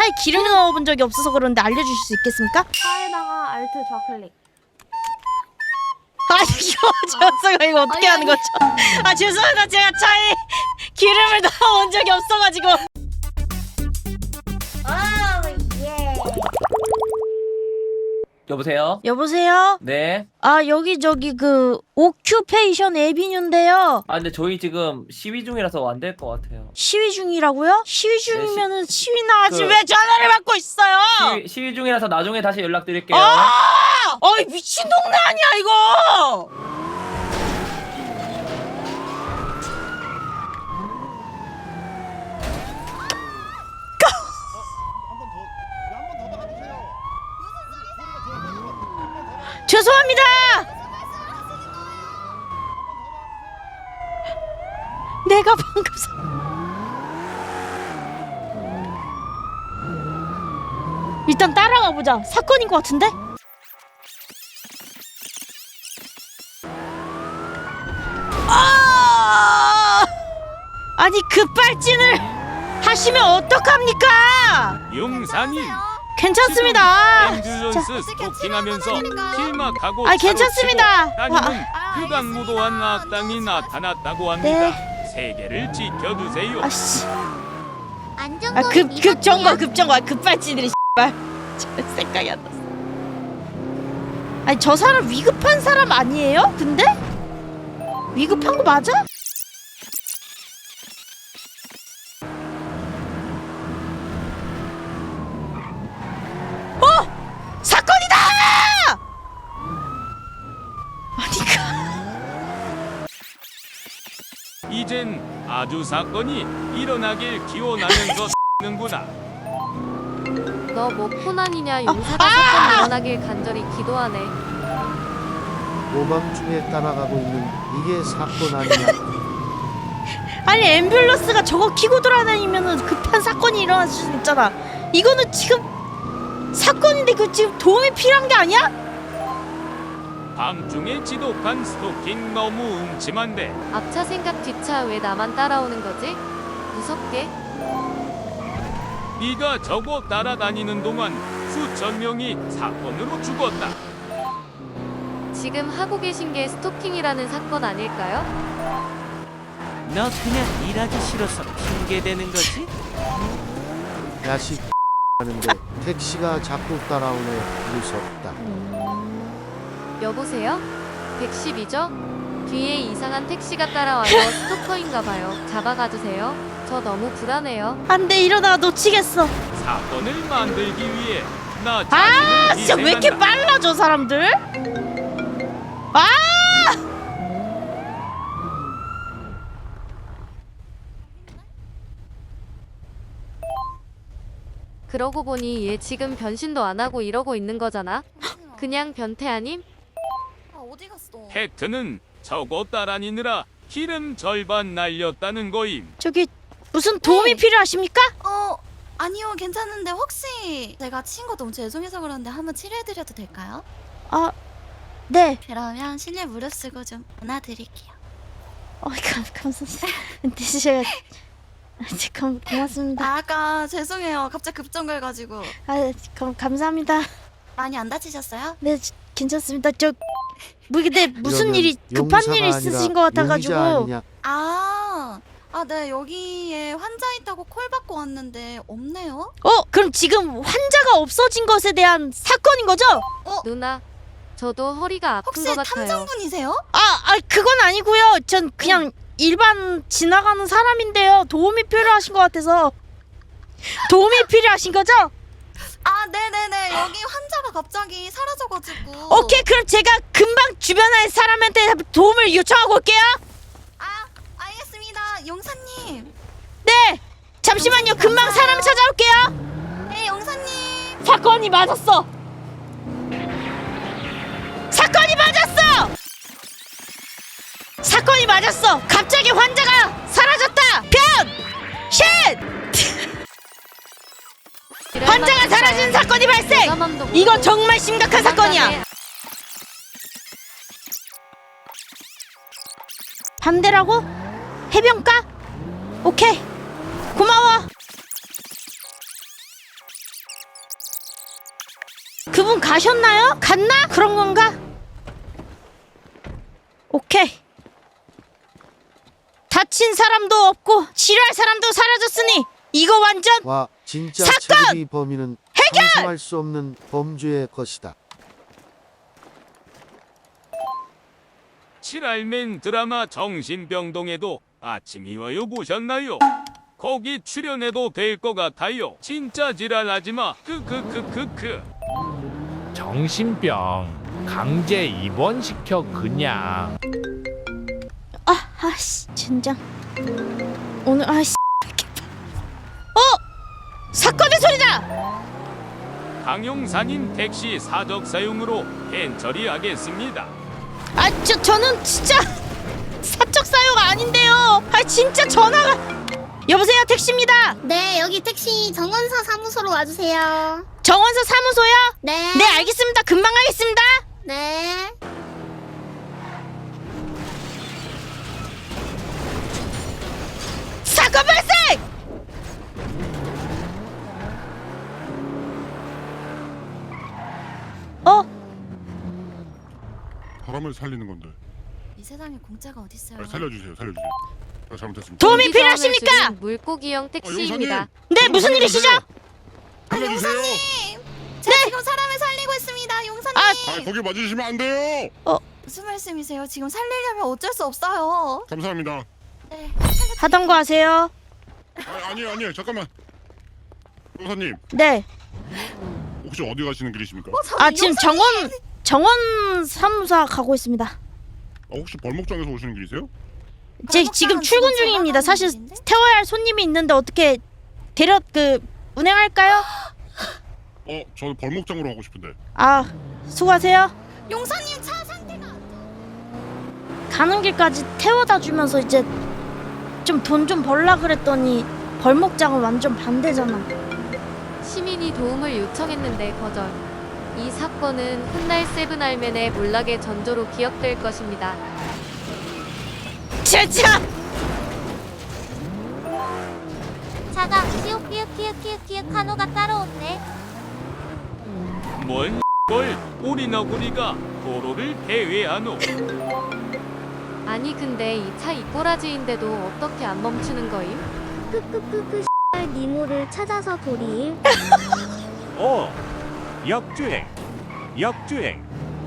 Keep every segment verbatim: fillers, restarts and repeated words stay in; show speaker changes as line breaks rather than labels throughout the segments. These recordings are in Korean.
차에 기름 넣어본 적이 없어서 그런데 알려주실 수 있겠습니까?
차에다가 알트 좌클릭.
아 이거 죄송해요. 이거 어떻게
아니,
하는 거죠? 아 죄송합니다. 제가 차에 기름을 넣어본 적이 없어가지고.
여보세요?
여보세요?
네.
아 여기 저기 그 오큐페이션 에비뉴인데요.
아 근데 저희 지금 시위 중이라서 안 될 것 같아요.
시위 중이라고요? 시위 중이면은 시위나 하지
그-
왜 전화를 받고 있어요?
시위, 시위 중이라서 나중에 다시 연락드릴게요.
아! 어이 미친 동네 아니야 이거! 죄송합니다. 내가 방금 사... 일단 따라가 보자. 사건인 것 같은데? 아! 아니 급발진을 하시면 어떡합니까?
용산이
괜찮습니다.
앰뷸런스 스토킹하면서 실막하고
아, 괜찮습니다.
따님은
아,
흑악무도한 악당이 나타났다고 합니다.
네.
세계를 지켜주세요.
아씨.
안전거리
아, 급, 급정거, 급정거. 급발진들이 씨발. 저 생각이 안 났어. 아니, 저 사람 위급한 사람 아니에요? 근데? 위급한 거 맞아? 어! 사건이다! 아니, 그...
이젠 아주 사건이 일어나길 기원하면서 는구나.
너 뭐 코난이냐? 용사가
아!
사건 일어나길 간절히 기도하네.
오밤중에 따라가고 있는 이게 사건 아니냐?
아니 앰뷸런스가 저거 키고 돌아다니면은 급한 사건이 일어날 수 있잖아. 이거는 지금 사건인데 그 지금 도움이 필요한 게 아니야?
밤중에 지독한 스토킹 너무 음침한데.
앞차 생각 뒤차 왜 나만 따라오는 거지? 무섭게.
네가 저거 따라다니는 동안 수천 명이 사건으로 죽었다.
지금 하고 계신 게 스토킹이라는 사건 아닐까요?
너 그냥 일하기 싫어서 핑계대는 거지?
야식 하는데 택시가 자꾸 따라오네. 무섭다.
여보세요? 백십이죠? 뒤에 이상한 택시가 따라와요. 스토커인가 봐요. 잡아가주세요. 저 너무 불안해요.
안돼 이러다가 놓치겠어.
사건을 만들기 위해 나
아
자신을
진짜 왜 이렇게
희생한다.
빨라 저 사람들? 아!
그러고 보니 얘 지금 변신도 안 하고 이러고 있는 거잖아. 그냥 변태 아님?
아, 어디 갔어?
팩트는 저거 따라니느라 기름 절반 날렸다는 거임.
저기 무슨 도움이 필요하십니까?
어, 아니요, 괜찮은데 혹시 제가 친 거 너무 죄송해서 그러는데 한번 치료해드려도 될까요?
아 네.
그러면 실내 무릎 쓰고 좀 안아드릴게요.
어 감, 감사합니다. 근데 제가 감, 고맙습니다.
아, 아까 죄송해요. 갑자기 급정거해가지고.
아 감, 감사합니다.
많이 안 다치셨어요?
네 저, 괜찮습니다. 저 뭐 근데 무슨
이러면
일이 급한
용사가
일이
아니라
있으신 것 같아가지고.
용의자 아니냐?
아, 아, 네, 여기에 환자 있다고 콜 받고 왔는데 없네요?
어 그럼 지금 환자가 없어진 것에 대한 사건인 거죠?
누나, 저도 허리가 아픈
혹시
것 같아요.
탐정분이세요?
아, 아 그건 아니고요. 전 그냥 일반 지나가는 사람인데요. 도움이 필요하신 것 같아서. 도움이 필요하신 거죠?
아, 네네네. 여기 환자가 갑자기 사라져가지고.
오케이 그럼 제가 금방 주변의 사람한테 도움을 요청하고 올게요.
아, 알겠습니다. 용사님.
네 잠시만요. 금방 사람 찾아올게요.
네, 용사님.
사건이 맞았어. 사건이 맞았어. 사건이 맞았어. 갑자기 환자가 사라졌다. 변! 신! 환자가 사라진 사건이 발생. 이거 정말 심각한 사건이야. 반대라고? 해변가? 오케이 고마워. 그분 가셨나요? 갔나? 그런 건가? 오케이. 다친 사람도 없고 치료할 사람도 사라졌으니 이거 완전
와 진짜
사건!
체급이 범인은 상상할 수 없는 범죄의 것이다.
칠알맨 드라마 정신병동에도 아침이 와요 보셨나요? 거기 출연해도 될 것 같아요. 진짜 지랄하지마. 크크크크크.
정신병 강제 입원시켜 그냥.
아, 아씨, 진짜 오늘 아씨. 어, 사건의 소리다.
강용사님 택시 사적 사용으로 팬 처리하겠습니다.
아, 저 저는 진짜 사적 사용 아닌데요. 아, 진짜 전화가. 여보세요, 택시입니다.
네, 여기 택시 정원사 사무소로 와주세요.
정원서 사무소요?
네.
네, 알겠습니다. 금방 가겠습니다.
네.
사건 발생! 어?
사람을 살리는 건데.
이 세상에 공짜가 어딨어요.
아, 살려주세요, 살려주세요. 아, 잘못했습니다.
도움이
경기
필요하십니까?
저항을 줄인 물고기형 택시입니다.
용사님!
네, 무슨 일이시죠?
살려주세요.
제가 지금 사람을 살리고 있습니다, 용사님.
아,
아, 거기 맞으시면 안 돼요.
무슨 말씀이세요? 지금 살리려면 어쩔 수 없어요.
감사합니다.
네.
하던 거 하세요.
아, 아니에요, 아니에요. 잠깐만. 용사님,
네.
혹시 어디 가시는 길이십니까?
아, 지금 정원 정원 사무소 가고 있습니다.
아, 혹시 벌목장에서 오시는 길이세요?
제 지금 출근 중입니다. 사실 태워야 할 손님이 있는데 어떻게 데려 그 운행할까요?
어, 저 벌목장으로 가고 싶은데.
아, 수고하세요.
용사님 차 상태가
가는 길까지 태워다 주면서 이제 좀 돈 좀 벌라 그랬더니 벌목장은 완전 반대잖아.
시민이 도움을 요청했는데 거절. 이 사건은 훗날 세븐알맨의 몰락의 전조로 기억될 것입니다.
진짜.
차가 키읔키읔키읔키읔키읔 한호가 따라오네.
뭔 걸 우리 너구리가 도로를 배회하노.
아니 근데 이 차 이꼬라지인데도 어떻게 안 멈추는 거임?
크크크크 니모를 찾아서 도리.
어, 역주행, 역주행.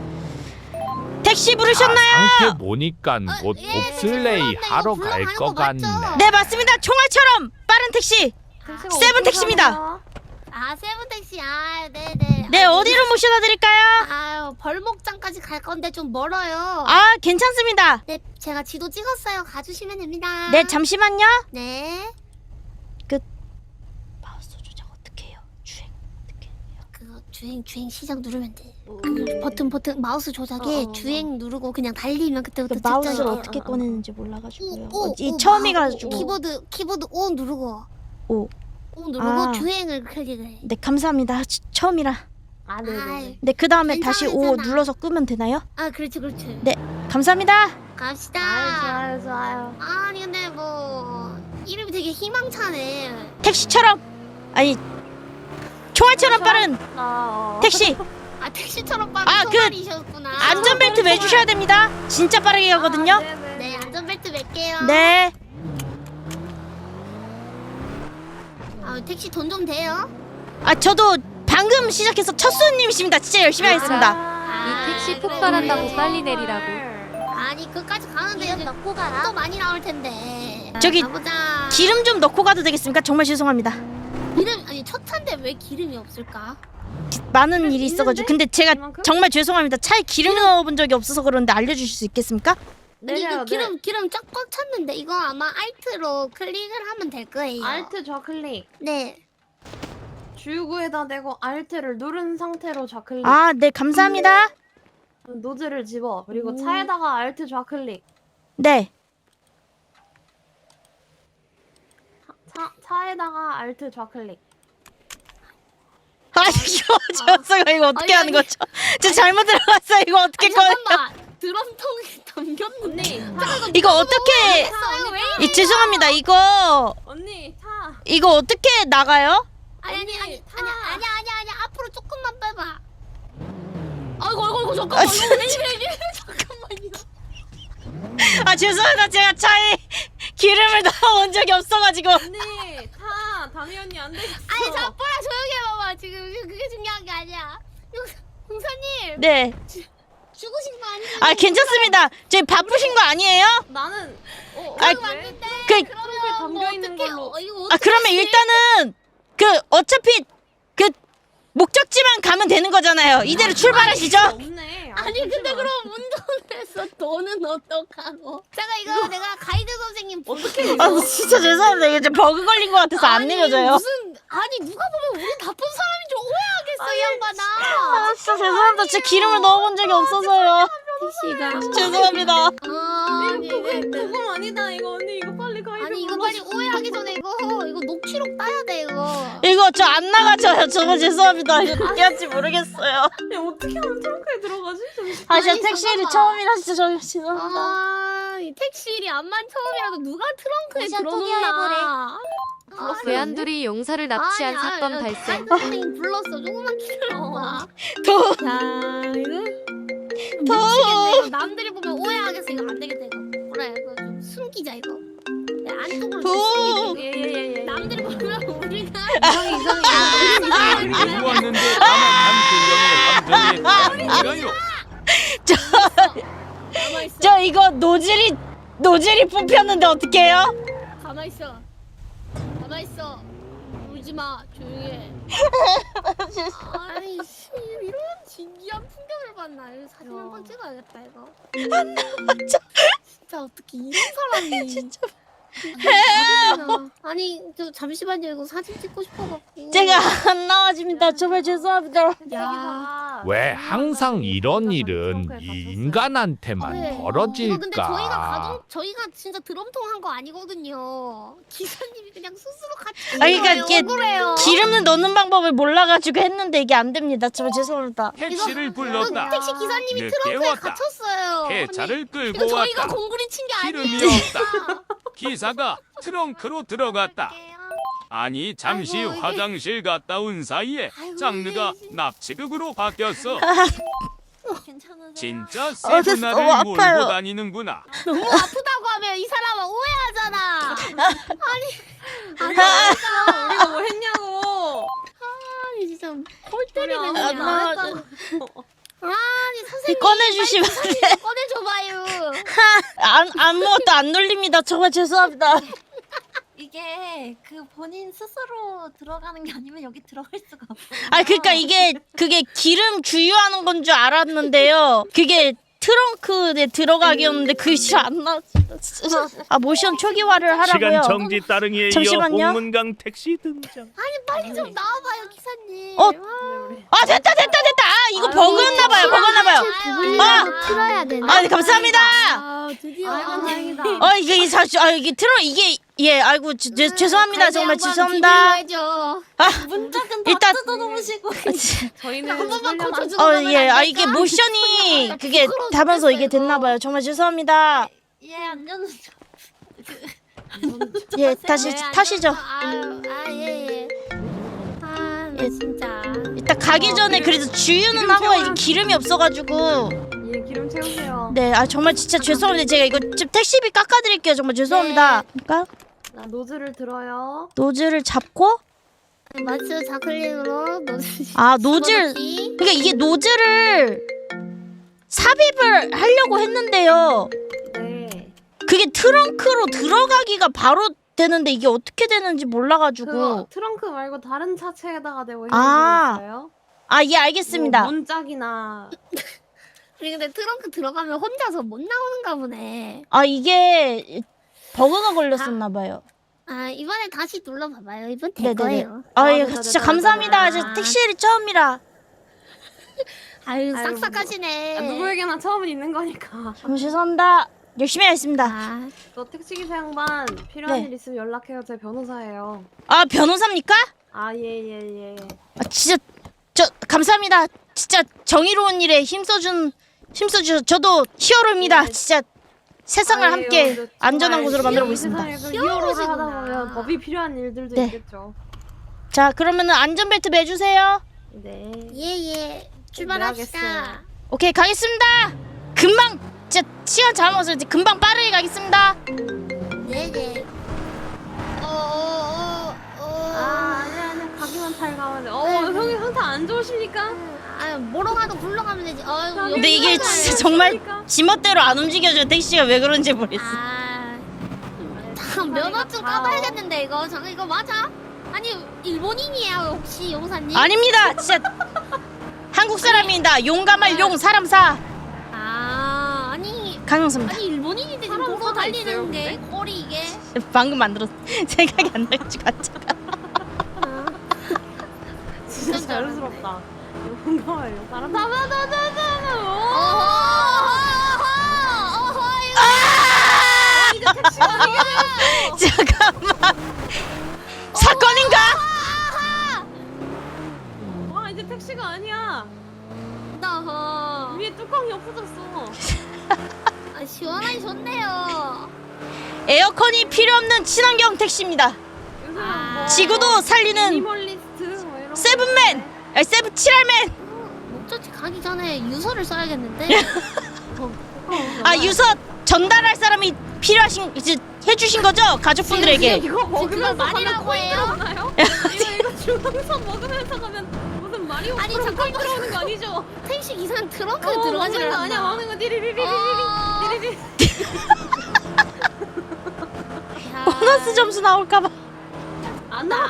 택시 부르셨나요?
아, 상태 보니깐 곧
예, 네,
봅슬레이
죄송한데
하러
이거
갈
불러가는
것
거
같네.
맞죠?
네, 맞습니다. 총알처럼 빠른 택시. 세븐 택시입니다.
아, 세븐 택시. 아, 네네.
네, 어디로 모셔다 드릴까요?
아유, 벌목장까지 갈 건데 좀 멀어요.
아, 괜찮습니다.
네, 제가 지도 찍었어요. 가주시면 됩니다.
네, 잠시만요.
네.
마우스 조작 어떻게 해요? 주행 어떻게 해요?
그거 주행 주행 시작 누르면 돼. 그 버튼 버튼 마우스 조작에
어, 어,
주행 누르고 그냥 달리면 그때부터
그 마우스를
직전이에요.
어떻게
어, 어.
꺼내는지 몰라가지고요.
오,
어, 이
오,
처음이가지고.
오, 키보드 키보드 O 누르고
오.
O 누르고
아.
주행을 클릭을 해.
네, 감사합니다. 치- 처음이라.
아, 네네.
네, 그 다음에 다시 오
괜찮아.
눌러서 끄면 되나요?
아, 그렇지 그렇지.
네, 감사합니다.
갑시다.
좋아요, 좋아요.
아니 근데 뭐 이름이 되게 희망차네.
택시처럼 아니 총알처럼 빠른
아, 어.
택시.
아, 택시처럼 빠른
아, 그
소말이셨구나.
안전벨트 매주셔야 됩니다. 진짜 빠르게 가거든요.
네, 안전벨트 맬게요.
네.
아, 택시 돈 좀 돼요?
아, 저도 방금 시작해서 첫 손님이십니다. 진짜 열심히 하겠습니다.
아,
이 택시
그래,
폭발한다고
그래.
빨리 내리라고.
아니, 그까지 가는데 이제 넣고 가라. 또 많이 나올 텐데.
저기
가보자.
기름 좀 넣고 가도 되겠습니까? 정말 죄송합니다.
기름 아니 첫 차인데 왜 기름이 없을까?
많은 일이 있어가지고. 근데 제가 정말 죄송합니다. 차에 기름 넣어본 적이 없어서 그런데 알려주실 수 있겠습니까?
아니 이거 기름 기름 쫙 꽉 찼는데 이거 아마 알트로 클릭을 하면 될 거예요.
알트 좌클릭.
네.
주유구에다 대고 알트를 누른 상태로 좌클릭.
아, 네, 감사합니다.
노즐을 집어. 그리고
음.
차에다가 알트 좌클릭.
네.
차 차에다가 알트 좌클릭.
아, 이거 저서가 이거 어떻게
아니,
하는
아니.
거죠? 저 잘못 들어갔어요. 이거 어떻게
아니,
꺼내?
잠깐만. 드럼통에 담겼는데.
언니,
이거 어떻게?
했어요 왜?
이, 죄송합니다. 이거
언니 차.
이거 어떻게 나가요?
아니 아니
언니,
아니
타.
아니 아니 아니 아니 앞으로 조금만 빼봐. 아이고 아이고 아이고 잠깐만.
아,
이거
진짜.
왜 이래 이래. 잠깐만요.
아 죄송합니다. 제가 차에 기름을 넣어온 적이 없어가지고.
언니 타 담이 언니 안 되겠어.
아니 자뽀라 조용히 해봐봐. 지금 그게 중요한 게 아니야. 용- 용사님
네.
죽으신 거 아니에요?
아 괜찮습니다. 저희 바쁘신 거 아니에요?
나는 어,
아,
왜?
맞는데
그-
그러면
담겨
뭐
있는
어떻게
걸로.
어, 이거
아
어떻게
그러면
하지?
일단은 그 어차피 그 목적지만 가면 되는 거잖아요. 이대로 출발하시죠.
없네.
아니 근데 그럼 운전을 해서 너는 어떡하고? 잠깐 이거 내가 가이드 선생님
어떻게
아 진짜 죄송합니다. 이게 좀 버그 걸린 것 같아서 안
아니,
내려져요.
무슨 아니 누가 보면 우리 나쁜 사람인 줄 오해하겠어 이 양반아.
아 진짜 죄송합니다. 진짜 기름을 넣어본 적이 없어서요.
택시가
죄송합니다.
아, 아니
그거
네, 네.
그건 아니다 이거 언니 이거 빨리 가야
아니 이거 빨리 오해하기 전에 이거 이거 녹취록 따야 돼 이거.
이거 저 안 나가져요. 정말 죄송합니다. 이거 어떻게 할지 모르겠어요.
야 어떻게 하면 트렁크에 들어가지? 잠시-
아 진짜
아니,
택시 일이
잠깐만.
처음이라 진짜 저 죄송합니다.
아, 이 택시 일이 암만 처음이라도 누가 트렁크에
모션
들어놓나?
외환돌이 용사를 납치한
아니,
사건
아니,
발생.
가이드 선생님 불렀어. 조금만 기다려봐.
더
자, 이거
더.
미치겠네. 이거 남들이 보면 오해하겠어. 이거 안 되겠다 이거. 그래, 이거 좀 숨기자 이거. 내 안쪽으로 좀
더.
숨기자. 이거.
예예예.
남들이 보면 우리가
이상해 이상해.
들고 왔는데 아마 한 두 명의 감정에 아니라요.
가만 있어.
저 이거 노즐이 노즐이 뽑혔는데 어떡해요?
가만 있어. 가만 있어. 울지 마. 조용히 해. 아이씨, 이런 신기한 풍경을 봤나? 이거 사진 한 번 찍어야겠다 이거. 안 나왔죠. 진짜 어떻게 이런 사람이? 진짜. 아니 저 잠시만요 이거 사진 찍고 싶어갖고.
제가 안 나와집니다. 정말 죄송합니다.
야.
왜 항상 이런 일은 이 인간한테만
네. 이거 근데 저희가
벌어질까?
가정 저희가 진짜 드럼통 한 거 아니거든요. 기사님이 그냥 스스로 같이.
아니, 그러니까
거예요.
이게
억울해요.
기름을 넣는 방법을 몰라가지고 했는데 이게 안 됩니다. 정말 죄송합니다.
택시를
이거
불렀다.
택시 기사님이
늦게
트렁크에
왔다.
갇혔어요.
해차를
이거
끌고
저희가
왔다.
공구리 친 게
기름이
아니에요.
없다. 기사가 트렁크로 들어갔다. 아니 잠시
아이고, 이게-
화장실 갔다 온 사이에
아이고,
장르가
이게-
납치극으로 바뀌었어.
괜찮으세요?
진짜
어, 됐어.
세분화를
어,
몰고
아파요.
다니는구나.
너무 아프다고 하면 이 사람은 오해하잖아. 아니, 아니,
아,
우리가 뭐 했냐고.
아니 진짜 콜 때리네
우리
그냥.
아무것도 안 했다고.
아니 선생님
꺼내주시면 안
사진
돼.
좀 꺼내줘봐요.
안, 아무것도 안 눌립니다. 정말 죄송합니다.
이게 그 본인 스스로 들어가는 게 아니면 여기 들어갈 수가 없어요.
아 그러니까 이게 그게 기름 주유하는 건 줄 알았는데요. 그게 트렁크에 들어가기였는데 그게 잘 안 나왔습니다. 진짜. 아 모션 초기화를 하라고요.
따릉이에
잠시만요.
홍문강 택시 등장.
아니 빨리 좀 나와봐요 기사님.
어? 아 됐다 됐다 됐다. 아 이거 버그였나봐요. 버그였나봐요.
아, 틀어야 되나?
아 감사합니다.
아 드디어.
아이고 다행이다.
어 이게 이 사실 아 이게 틀어 이게 예 아이고 제, 제, 죄송합니다. 정말 죄송합니다. 아
문짝은 다
일단-
뜯어놓으시고
저희는
한 번만
훈련-
고쳐주고.
어 예 아 이게 모션이 그게 타면서 이게 됐나봐요. 정말 죄송합니다.
예 안전은
예 다시 타시죠.
아예 예. 아, 나 진짜.
일단 가기 전에 그래도 주유는 하고 이제 기름이 없어가지고
예 기름 채우세요.
네 아 정말 진짜 죄송합니다. 제가 이거 좀 택시비 깎아드릴게요. 정말 죄송합니다. 그러니까
자 노즐을 들어요.
노즐을 잡고
마츠 자클린으로 노즐.
아 노즐
집어넣기.
그러니까 이게 노즐을 삽입을 하려고 했는데요.
네.
그게 트렁크로 들어가기가 바로 되는데 이게 어떻게 되는지 몰라가지고
그거 트렁크 말고 다른 차체에다가 대고 있는
아.
거 있어요?
아 예 알겠습니다.
뭐 문짝이나
아니 근데 트렁크 들어가면 혼자서 못 나오는가 보네.
아 이게 버그가 걸렸었나봐요.
아 이번에 다시 눌러봐봐요. 이번 될
네네네.
거예요.
아
아,
예
됐다,
진짜
됐다,
감사합니다.
됐다.
저 택시일이 처음이라
아유
아이고,
싹싹하시네.
아, 누구에게나 처음은 있는 거니까.
정말 죄송합니다. 열심히 하겠습니다.
아,
너 택시기사 양반 필요한
네.
일 있으면 연락해요. 제 변호사예요.
아 변호사입니까?
아 예 예 예.
아 진짜 저 감사합니다. 진짜 정의로운 일에 힘써준 힘써주 저도 히어로입니다.
네.
진짜 세상을
아니에요.
함께
근데
안전한
정말
곳으로 만들어
이
보겠습니다.
세상에 그 히어로를 하다
히어로시구나.
보면 법이 필요한 일들도
네.
있겠죠.
자 그러면은 안전벨트 매주세요.
네.
예예. 출발합시다.
준비하겠어요.
오케이 가겠습니다. 금방 진짜 시간 잘 먹어서 이제 금방 빠르게 가겠습니다.
네네. 어어어 어.
아 아니 아니 가기만 잘 가면 돼. 어
네.
형이 상태 안 좋으시니까?
아 뭐로 가도 굴러 가면 되지. 어이구.
근데 이게 진짜 정말 지멋대로 안 움직여져. 택시가 왜 그런지 모르겠어.
아. 잠깐 면허 좀 까봐야겠는데 이거. 잠깐 이거 맞아? 아니 일본인이에요 혹시 용사님?
아닙니다. 진짜 한국 사람입니다. 용감할 용 사람 사
아 아니
강영수입니다.
아니 일본인인데 지금
사람
도로
사가
달리는
있어요,
게 꼴이 이게.
방금 만들었어. 생각이 안 나가지고 앉아가.
진짜 자연스럽다. 뭔가요? 사람
어허 어허 이거. 이제 택시가 아니게
잠깐만. 사건인가?
와 이제 택시가 아니야.
어허.
위에 뚜껑이 없어졌어.
아 시원하니 좋네요.
에어컨이 필요 없는 친환경 택시입니다.
요새는
아.
뭐
지구도 살리는
미니멀리스트 뭐 이런
세븐맨,
거
아니 세븐 칠할맨.
목적지 가기 전에 유서를 써야겠는데.
아 유서 전달할 사람이 필요하신 이제 해주신 거죠 가족분들에게.
이거 먹으면서
말이라고
가면
해요?
코인 들어오나요? 이거 이거 중앙선 먹으면서 가면 무슨 마리오
아니,
프로
잠깐만.
코인 들어오는 거 아니죠?
택시 기사는 트렁크에
어,
들어가지를
먹는 거 아니야?
않나.
먹는 거 디리리리리리리
어.
디리리.
야.
보너스 점수 나올까봐.
안 나.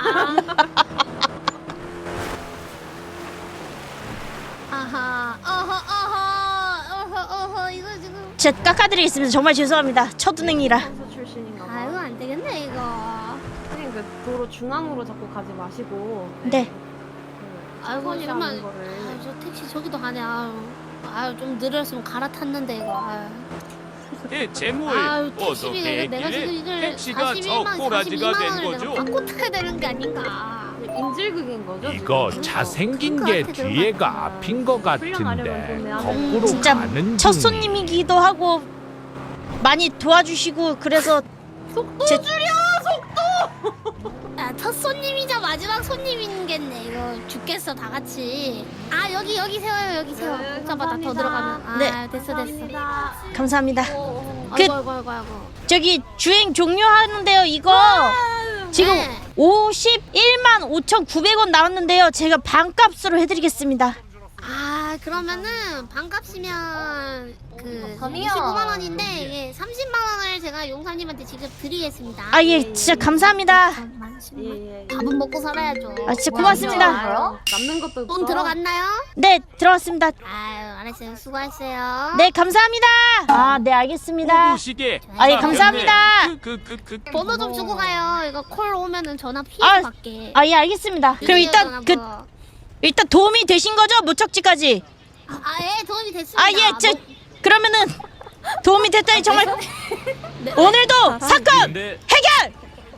아하. 어허 어허 어허 어허 이거 지금.
제가 깎아드리겠습니다. 정말 죄송합니다. 첫은행이라.
선수 출신인가 봐.
아 이거 안 되겠네 이거.
선생님 그 도로 중앙으로 자꾸 가지 마시고.
네.
그
아이고
천천히
잠깐만.
가는 거를.
아유 저 택시 저기도 가네. 아유. 아유 좀 느렸으면 갈아탔는데 이거. 아유.
대체 뭐예요?
아유 택시비가
어떻게
내가 지금
했길래
이걸
택시가 저
사십일만
꼬라지가 된
원을
거죠?
내가 바꿔 타야 되는 게 아닌가.
인질극인 거죠?
이거
지금?
잘생긴 게
그
뒤에가 앞인 거 같은데
훈련하려면
거꾸로
진짜
가는
첫
중이.
손님이기도 하고 많이 도와주시고 그래서
속도
제-
줄여 속도.
아, 첫 손님이자 마지막 손님인겠네. 이거 죽겠어 다 같이. 아 여기 여기 세워요 여기 세워.
네,
복잡하다 더
감사합니다.
들어가면. 아
네.
됐어 됐어.
감사합니다.
그...
그-
아이고 아이고 아이고 아이고.
저기 주행 종료하는데요. 이거 지금
네.
오십일만 오천구백 원 나왔는데요. 제가 반값으로 해드리겠습니다.
아 그러면은 반값이면 그
범이요.
이십오만 원인데 이게 삼십만 원을 제가 용사님한테 직접 드리겠습니다.
아 예 진짜 감사합니다.
잠깐만, 십만.
예예.
밥은 먹고 살아야죠.
아 진짜 고맙습니다.
남는 것도
돈 들어갔나요?
네 들어왔습니다.
아유 알았어요. 수고하세요.
네 감사합니다. 아 네 알겠습니다.
호구시계.
아, 예,
자,
감사합니다.
그, 그, 그, 그.
번호 좀 주고 가요. 이거 콜 오면은 전화 피해
아,
받게.
아 예 알겠습니다. 그럼 일단 그 일단 도움이 되신 거죠 목적지까지?
아예 도움이 됐습니다.
아 예 저 그러면은 도움이 됐다니 정말
네.
오늘도 사건
근데
해결.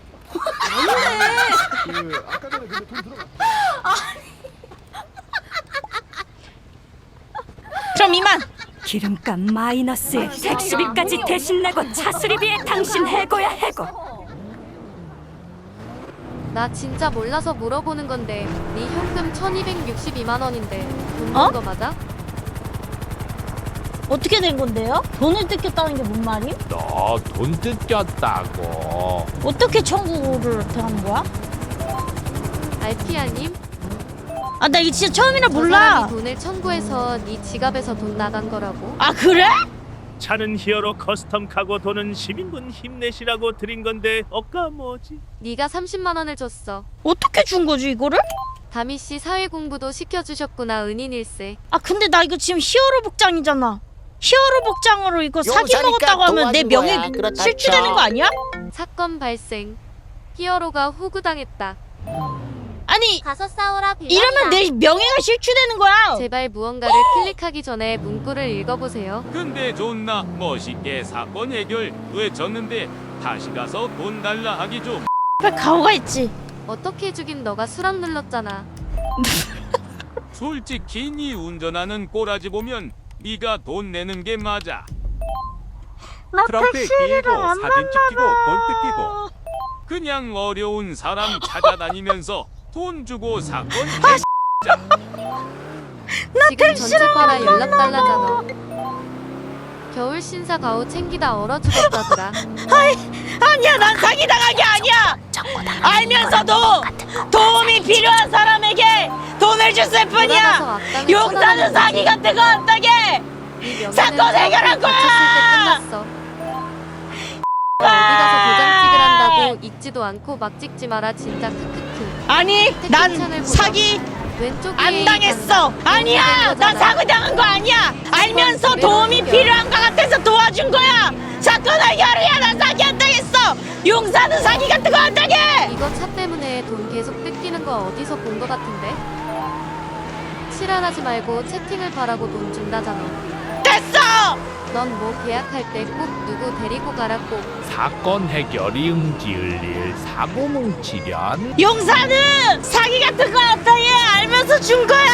그럼 이만.
기름값 마이너스에 택시비까지 대신 내고 차 수리비에 당신 해고야 해고.
나 진짜 몰라서 물어보는 건데 네 현금 천이백육십이만 원인데 돈
어?
번 거 맞아?
어떻게 된 건데요? 돈을 뜯겼다는 게 뭔 말임?
너 돈 뜯겼다고.
어떻게 청구를 하는 거야?
알피아님?
아 나 이거 진짜 처음이라
저
몰라.
사람이 돈을 청구해서 네 지갑에서 돈 나간 거라고?
아 그래?
차는 히어로 커스텀 카고 돈은 시민분 힘내시라고 드린 건데 어까 뭐지?
네가 삼십만 원을 줬어.
어떻게 준 거지 이거를?
다미 씨 사회 공부도 시켜주셨구나 은인일세.
아 근데 나 이거 지금 히어로 복장이잖아. 히어로 복장으로 이거 사기
용사니까
먹었다고 하면 내
도와준
명예
거야. 그렇다
실추되는
쳐.
거 아니야?
사건 발생. 히어로가 호구당했다.
아니
가서 싸우라 빌.
이러면 내 명예가 실추되는 거야.
제발 무언가를 클릭하기 전에 문구를 읽어보세요.
근데 존나 멋있게 사건 해결 왜 졌는데 다시 가서 돈 달라 하기 좀.
빨리 가오가 있지.
어떻게 해주긴 너가 수락 눌렀잖아.
솔직히 니 운전하는 꼬라지 보면 네가 돈 내는 게 맞아.
나
트렁크에
택시를
끼고
안
사진 찍히고
만나봐.
돈 뜯기고 그냥 어려운 사람 찾아다니면서 돈 주고 사건
지금 전체파라 연락 달라잖아. 겨울 신사 가오 챙기다 얼어 죽었다더라.
아니야, 난 사기당한 게 아니야. 알면서도 도움이 필요한 사람에게 돈을 줬을 뿐이야. 용사는 사기 같은 거 안 따게. 사건 해결한 거야.
끝났어. 어디 가서 도장 찍으란다고 읽지도 않고 막 찍지 마라 진짜 크크크.
아니, 난 사기
왼쪽에
안 당했어. 아니야, 난 사기 당한 거 아니야. 알면서 도움이 필요한 거 같아서 도와준 거야. 사건 해결이야. 난 사기 안 당했어. 용사는 사기 같은 거 안 당해.
이거 차 때문에 돈 계속 뜯기는 거 어디서 본 거 같은데? 실안하지 말고 채팅을 바라고 돈 준다잖아.
됐어.
넌 뭐 계약할 때 꼭 누구 데리고 가라 꼭.
사건 해결이 응지을 일 사고 뭉치련
용사는 사기 같은 거 안 당해. 알면서 준 거야.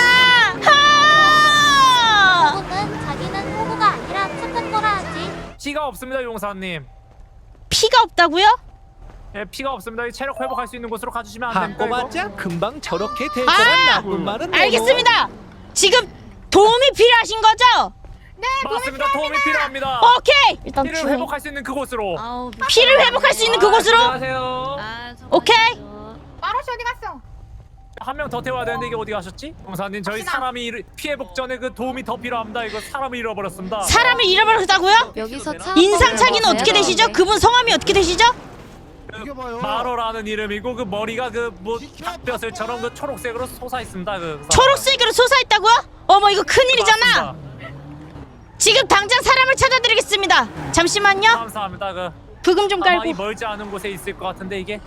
하!
호구는 자기는 호구가 아니라 착한 거라 하지.
피가 없습니다, 용사님.
피가 없다고요?
예, 피가 없습니다. 이 체력 회복할 수 있는 곳으로 가주시면 안 됩니까?
한꼬맞자 금방 저렇게 될
아!
거란 나쁜 말은
알겠습니다. 지금 도움이 필요하신 거죠?
맞습니다. 도움이 필요합니다.
오케이. 일단
피를
주...
회복할 수 있는 그곳으로.
아우
피를 회복할 수 있는 그곳으로.
안녕하세요.
아,
오케이.
마로시 어디 갔어?
한 명 더 태워야 되는데 이게 어디 가셨지? 용사님, 저희 사람이 잃- 피해 복전에 그 도움이 더 필요합니다. 이거 사람을 잃어버렸습니다.
사람을 잃어버렸다고요?
여기서 차
인상착의는
한번
어떻게
가야
되시죠?
되는데.
그분 성함이 어떻게 되시죠?
마로라는 이름이고 그 머리가 그뭐 닭뼈슬처럼 그 초록색으로 솟아 있습니다. 그
초록색으로 솟아있다고요? 어머, 이거 큰일이잖아.
맞습니다.
지금 당장 사람을 찾아드리겠습니다. 잠시만요.
감사합니다. 그
부금 좀
아마 이
깔고.
멀지 않은 곳에 있을 것 같은데 이게.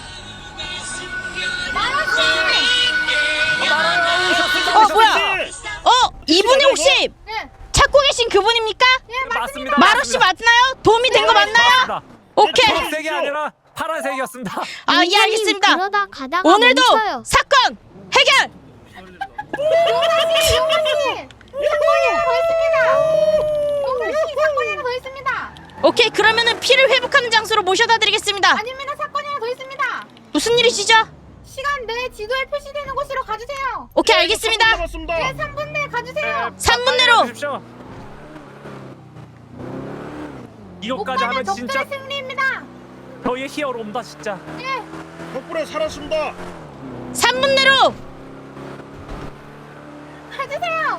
어, 뭐야? 어, 이분이 혹시
네.
찾고 계신 그분입니까?
맞습니다.
마로씨 맞나요? 도움이 된 거 맞나요?
맞습니다.
오케이.
초록색이 아니라 파란색이었습니다.
아, 예, 알겠습니다.
그러다 가다가
오늘도
멈춰요.
사건 해결.
용사씨, 용사씨, 사건이 하나 더 있습니다. 용사씨, 사건이 하나 더 있습니다.
오케이, 그러면은 피를 회복하는 장소로 모셔다 드리겠습니다.
아닙니다, 사건이 하나 더 있습니다.
무슨 일이시죠?
시간 내 지도에 표시되는 곳으로 가주세요.
오케이, 알겠습니다.
네, 삼 분 내에 가주세요.
삼 분 내로.
주십시오. 이것까지
오빠는
하면 진짜
독자의 승리입니다.
저희의 히어로입니다, 진짜.
덕분에 살았습니다.
삼 분 내로.
가주세요.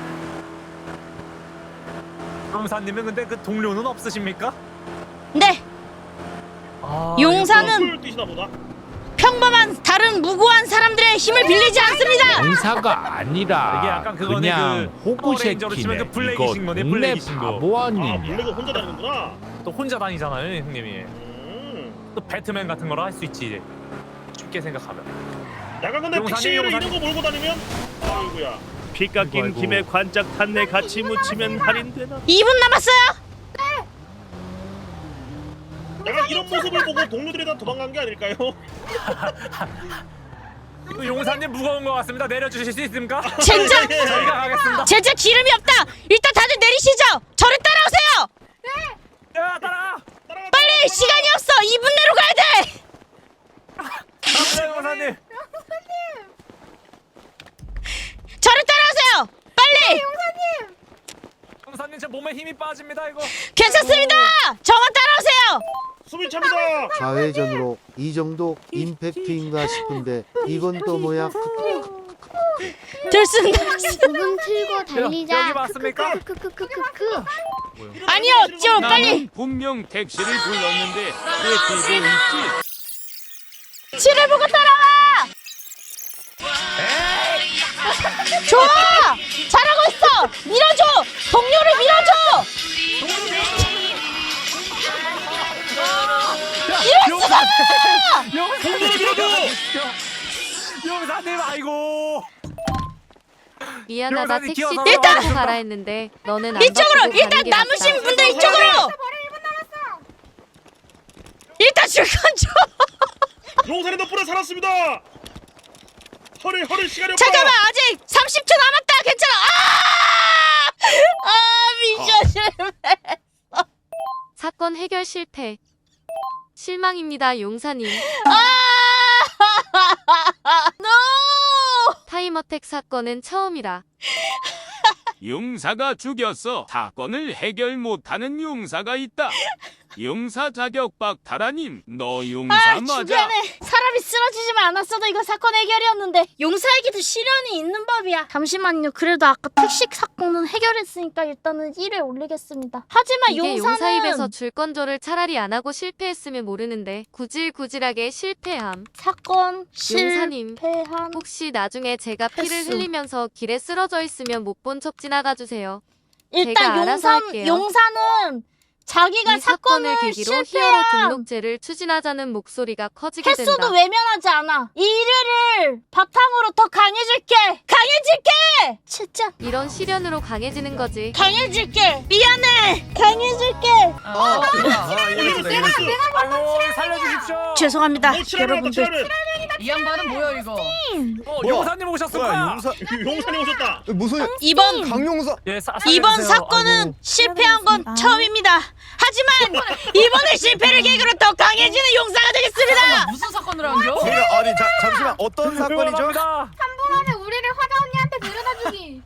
용사님은 근데 그 동료는 없으십니까?
네,
아,
용사는 평범한 다른 무고한 사람들의 힘을 빌리지 않습니다.
용사가
이게
아니라
약간 그거네,
그냥
그
호구
파워레인저로 치면
새끼네.
그 블랙이
이거
신 거네,
동네
블랙이 신 거.
바보 아니냐.
혼자 다니는구나.
또 혼자 다니잖아요, 형님이. 또 배트맨 같은 거라 할 수 있지. 쉽게 생각하면.
약간
근데 픽시를 이런 거
몰고 다니면 아이고야.
피 깎인
아이고.
김에 관짝 탄내 같이 묻히면 할인되나?
이 분 남았어요.
약간 이런 모습을 보고 동료들이 다 도망간 게 아닐까요?
그 용사님 무거운 것 같습니다. 내려주실 수 있습니까?
젠장.
저희가 가겠습니다.
제자 기름이 없다. 일단 다들 내리시죠. 저를 따라오세요.
야, 따라.
빨리, 시간이 없어. 이 분 내로 가야 돼.
감사합니다, 용사님.
저를 따라오세요. 빨리.
용사님, 제 몸에 힘이 빠집니다, 이거.
괜찮습니다. 저만 따라오세요.
숨이 찹니다.
좌회전으로 이 정도 임팩트인가 싶은데 이건 또 뭐야?
들쓴다.
부금 틀고 달리자.
여기 맞습니까?
크크크크크크.
아니요, 좀 빨리.
나는 분명 택시를 불렀는데 왜 뒤도 있지?
치를 보고 따라와. 좋아. 잘하고 있어. 밀어줘. 동료를 밀어줘. 이럴 수가.
용사님, 아이고.
미안하다
용사님,
택시
기어서
타고
나와주세요.
가라 했는데 너는 안
이쪽으로.
바꾸고
일단
가는 게
남으신
낫다.
분들 이쪽으로. 일단 줄건 줘.
용사님 덕분에 살았습니다. 허리 허리 시간이 없다.
잠깐만, 아직 삼십 초 남았다. 괜찮아. 아, 아 미션 실패.
사건 해결 실패. 실망입니다, 용사님.
아.
타임어택 사건은 처음이라.
용사가 죽였어. 사건을 해결 못하는 용사가 있다. 용사 자격 박탈하님, 너 용사
아,
맞아?
주변에 사람이 쓰러지지만 않았어도 이거 사건 해결이었는데 용사에게도 시련이 있는 법이야. 잠시만요. 그래도 아까 택시 사건은 해결했으니까 일단은 일에 올리겠습니다. 하지만
이게
용사는
용사 입에서 줄건조를 차라리 안 하고 실패했으면 모르는데 구질구질하게 실패함.
사건
용사님,
실패한
혹시 나중에 제가 피를
횟수.
흘리면서 길에 쓰러져 있으면 못 본 척 지나가 주세요.
일단
제가 알아서
용사,
할게요.
용사는 자기가
이 사건을
사건을
계기로 히어로
실패한
등록제를 추진하자는 목소리가 커지게
횟수도
된다.
외면하지 않아. 이 일을 바탕으로 더 강해질게. 강해질게. 진짜
이런 시련으로 강해지는 거지.
강해질게. 미안해. 강해질게.
아이고 살려주십시오.
죄송합니다,
뭐 칠하는
여러분들.
칠하는.
이 양반은 뭐야 이거?
어, 용사님 오셨을까?
용사 용사님 오셨다.
무슨
이번
강용사
예, 사,
이번
살려주세요.
사건은
아이고.
실패한 건 처음입니다. 하지만 이번의 실패를 계기로 더 강해지는 용사가 되겠습니다.
무슨 사건을 한겨?
아니 자, 잠시만 어떤
응원합니다.
그러면 우리를 화가 언니한테 데려다주기.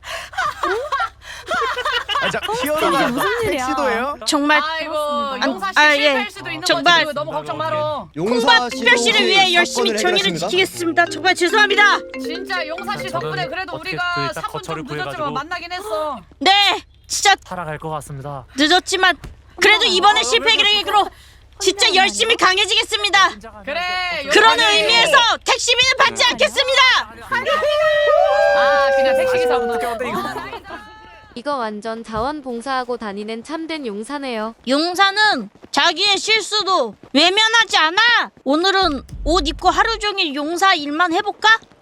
자, 히어로가
무슨 일이야?
택시도예요?
정말
아이고
안-
용사 씨
아,
실패할
예.
수도 있는
정말.
거지. 너무 걱정 마라.
콩밥 특별시를 위해 열심히 정의를 지키겠습니다. 정말 죄송합니다.
진짜 용사 씨
저는
덕분에 그래도
어떻게
우리가
그 딱
삼 분
거처를
좀 늦었지만
구해가지고.
만나긴 했어.
네, 진짜
살아갈 것 같습니다.
늦었지만 그래도 이번의 실패 계기로 진짜 열심히 강해지겠습니다.
그래.
그런
용사님.
의미에서 택시비는 받지 않겠습니다.
아 그냥 택시 기사구나.
어때 이거?
이거 완전 자원봉사하고 다니는 참된 용사네요.
용사는 자기의 실수도 외면하지 않아. 오늘은 옷 입고 하루 종일 용사 일만 해볼까?